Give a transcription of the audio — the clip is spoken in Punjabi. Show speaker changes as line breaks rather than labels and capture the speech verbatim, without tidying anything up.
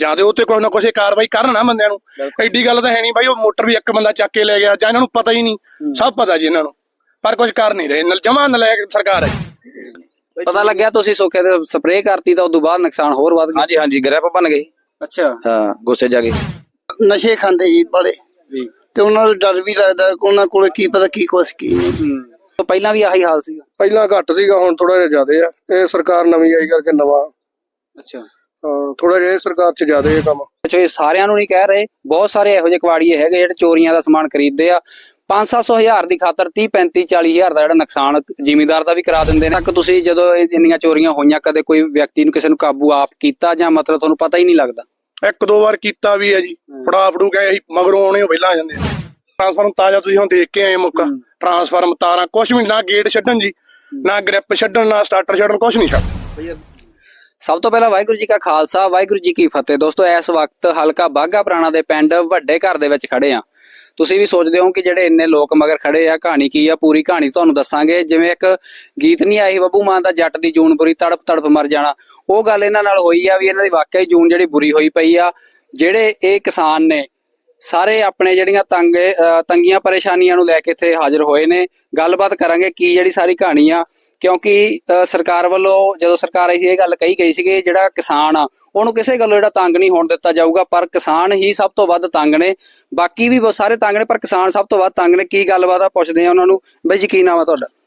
ਜਾਂ ਤੇ ਉੱਤੇ ਕੁਛ ਨਾ ਕੁਛ ਕਾਰਵਾਈ ਕਰਨ ਨਾ ਬੰਦਿਆਂ ਨੂੰ। ਐਡੀ ਗੱਲ ਤਾਂ ਹੈ ਨਹੀਂ ਬਾਈ, ਉਹ ਮੋਟਰ ਵੀ ਇੱਕ ਬੰਦਾ ਚੱਕ ਕੇ ਲੈ ਗਿਆ, ਜਾਂ ਇਹਨਾਂ ਨੂੰ ਪਤਾ ਹੀ ਨਹੀਂ। ਸਭ ਪਤਾ ਜੀ ਇਹਨਾਂ ਨੂੰ, ਪਰ ਕੁਝ ਕਰ ਨਹੀਂ ਰਹੇ। ਜਮਾ ਨਲਾਇਕ ਸਰਕਾਰ ਹੈ।
ਪਤਾ ਲੱਗਿਆ ਤੁਸੀਂ ਸੋਖੇ ਤੇ ਸਪਰੇਅ ਕਰਤੀ ਤਾਂ ਉਦੋਂ ਬਾਅਦ ਨੁਕਸਾਨ ਹੋਰ ਵੱਧ ਗਿਆ।
ਹਾਂਜੀ ਹਾਂਜੀ ਗ੍ਰਿਪ ਬਣ ਗਏ।
ਅੱਛਾ
ਹਾਂ ਗੁੱਸੇ ਜਾ ਕੇ
ਨਸ਼ੇ ਖਾਂਦੇ ਜੀ ਬੜੇ, ਤੇ ਉਹਨਾਂ ਨੂੰ ਡਰ ਵੀ ਲੱਗਦਾ, ਉਹਨਾਂ ਕੋਲੇ ਕੀ ਪਤਾ ਕੀ ਕੁਛ ਕੀ ਨਹੀਂ।
ਤੋਂ ਪਹਿਲਾਂ ਵੀ ਆਹੀ ਹਾਲ ਸੀਗਾ?
ਪਹਿਲਾਂ ਘੱਟ ਸੀਗਾ, ਹੁਣ ਥੋੜਾ ਜਿਹਾ ਜ਼ਿਆਦਾ ਆ। ਇਹ ਸਰਕਾਰ ਨਵੀਂ ਆਈ ਕਰਕੇ ਨਵਾਂ।
ਅੱਛਾ
ਹਾਂ ਥੋੜਾ ਜਿਹਾ ਸਰਕਾਰ ਚ ਜ਼ਿਆਦਾ ਇਹ ਕੰਮ।
ਅੱਛਾ ਇਹ ਸਾਰਿਆਂ ਨੂੰ ਨਹੀਂ ਕਹਿ ਰਹੇ, ਬਹੁਤ ਸਾਰੇ ਇਹੋ ਜਿਹੇ ਕਬਾੜੀਏ ਹੈਗੇ ਜਿਹੜੇ ਚੋਰੀਆਂ ਦਾ ਸਮਾਨ ਖਰੀਦਦੇ ਆ, ਪੰਜ ਸੱਤ ਸੌ ਹਜ਼ਾਰ ਦੀ ਖਾਤਰ ਤੀਹ ਪੈਂਤੀ ਚਾਲੀ ਹਜ਼ਾਰ ਦਾ ਜਿਹੜਾ ਨੁਕਸਾਨ ਜ਼ਿਮੀਂਦਾਰ ਦਾ ਵੀ ਕਰਾ ਦਿੰਦੇ ਨੇ। ਤੱਕ ਤੁਸੀਂ ਜਦੋਂ ਇੰਨੀਆਂ ਚੋਰੀਆਂ ਹੋਈਆਂ ਕਦੇ ਕੋਈ ਵਿਅਕਤੀ ਨੂੰ ਕਿਸੇ ਨੂੰ ਕਾਬੂ ਆਪ ਕੀਤਾ, ਜਾਂ ਮਤਲਬ ਤੁਹਾਨੂੰ ਪਤਾ ਹੀ ਨਹੀਂ ਲੱਗਦਾ?
ਇੱਕ ਦੋ ਵਾਰ ਕੀਤਾ ਵੀ ਹੈ ਜੀ, ਫੜਾ ਫੜੂ ਗਏ ਅਸੀਂ, ਮਗਰੋਂ ਆਉਣੇ ਪਹਿਲਾਂ ਆ ਜਾਂਦੇ। ਟਰਾਂਸਫਾਰਮ ਤਾਜ਼ਾ ਤੁਸੀਂ ਹੁਣ ਦੇਖ ਕੇ ਆਏ ਮੁੱਕਾ, ਟਰਾਂਸਫਾਰਮ ਤਾਰਾਂ ਕੁਛ ਵੀ ਨਾ, ਗੇਟ ਛੱਡਣ ਜੀ, ਨਾ ਗ੍ਰਿਪ ਛੱਡਣ, ਨਾ ਸਟਾਰਟਰ ਛੱਡਣ, ਕੁਛ ਨਹੀਂ ਛੱਡ।
ਸਭ ਤੋਂ ਪਹਿਲਾਂ ਵਾਹਿਗੁਰੂ ਜੀ ਕਾ ਖਾਲਸਾ ਵਾਹਿਗੁਰੂ ਜੀ ਕੀ ਫਤਿਹ। ਦੋਸਤੋ ਇਸ ਵਕਤ ਹਲਕਾ ਬਾਘਾ ਪੁਰਾਣਾ ਦੇ ਪਿੰਡ ਵੱਡੇ ਘਰ ਦੇ ਵਿੱਚ ਖੜੇ ਆ। ਤੁਸੀਂ ਵੀ ਸੋਚਦੇ ਹੋ ਕਿ ਜਿਹੜੇ ਇੰਨੇ ਲੋਕ ਮਗਰ ਖੜੇ ਆ, ਕਹਾਣੀ ਕੀ ਆ? ਪੂਰੀ ਕਹਾਣੀ ਤੁਹਾਨੂੰ ਦੱਸਾਂਗੇ। ਜਿਵੇਂ ਇੱਕ ਗੀਤ ਨਹੀਂ ਆਈ ਬੱਬੂ ਮਾਨ ਦਾ, ਜੱਟ ਦੀ ਜੂਨ ਬੁਰੀ ਤੜਪ ਤੜਪ ਮਰ ਜਾਣਾ, ਉਹ ਗੱਲ ਇਹਨਾਂ ਨਾਲ ਹੋਈ ਆ ਵੀ ਇਹਨਾਂ ਦੀ ਵਾਕਿਆ ਹੀ ਜੂਨ ਜਿਹੜੀ ਬੁਰੀ ਹੋਈ ਪਈ ਆ। ਜਿਹੜੇ ਇਹ ਕਿਸਾਨ ਨੇ ਸਾਰੇ ਆਪਣੇ ਜਿਹੜੀਆਂ ਤੰਗ ਤੰਗੀਆਂ ਪਰੇਸ਼ਾਨੀਆਂ ਨੂੰ ਲੈ ਕੇ ਇੱਥੇ ਹਾਜ਼ਰ ਹੋਏ ਨੇ। ਗੱਲਬਾਤ ਕਰਾਂਗੇ ਕੀ ਜਿਹੜੀ ਸਾਰੀ ਕਹਾਣੀ ਆ, ਕਿਉਂਕਿ ਸਰਕਾਰ ਵੱਲੋਂ ਜਦੋਂ ਸਰਕਾਰ ਆਈ ਸੀ ਇਹ ਗੱਲ ਕਹੀ ਗਈ ਸੀ ਕਿ ਜਿਹੜਾ ਕਿਸਾਨ ਆ ਉਹਨੂੰ ਕਿਸੇ ਗੱਲੋਂ ਜਿਹੜਾ ਤੰਗ ਨਹੀਂ ਹੋਣ ਦਿੱਤਾ ਜਾਊਗਾ, ਪਰ ਕਿਸਾਨ ਹੀ ਸਭ ਤੋਂ ਵੱਧ ਤੰਗ ਨੇ। ਬਾਕੀ ਵੀ ਬਹੁਤ ਸਾਰੇ ਤੰਗ ਨੇ, ਪਰ ਕਿਸਾਨ ਸਭ ਤੋਂ ਵੱਧ ਤੰਗ ਨੇ। ਕੀ ਗੱਲਬਾਤ ਆ ਪੁੱਛਦੇ ਆ ਉਹਨਾਂ ਨੂੰ। ਬਈ ਜੀ ਕੀ ਨਾਮ ਆ ਤੁਹਾਡਾ?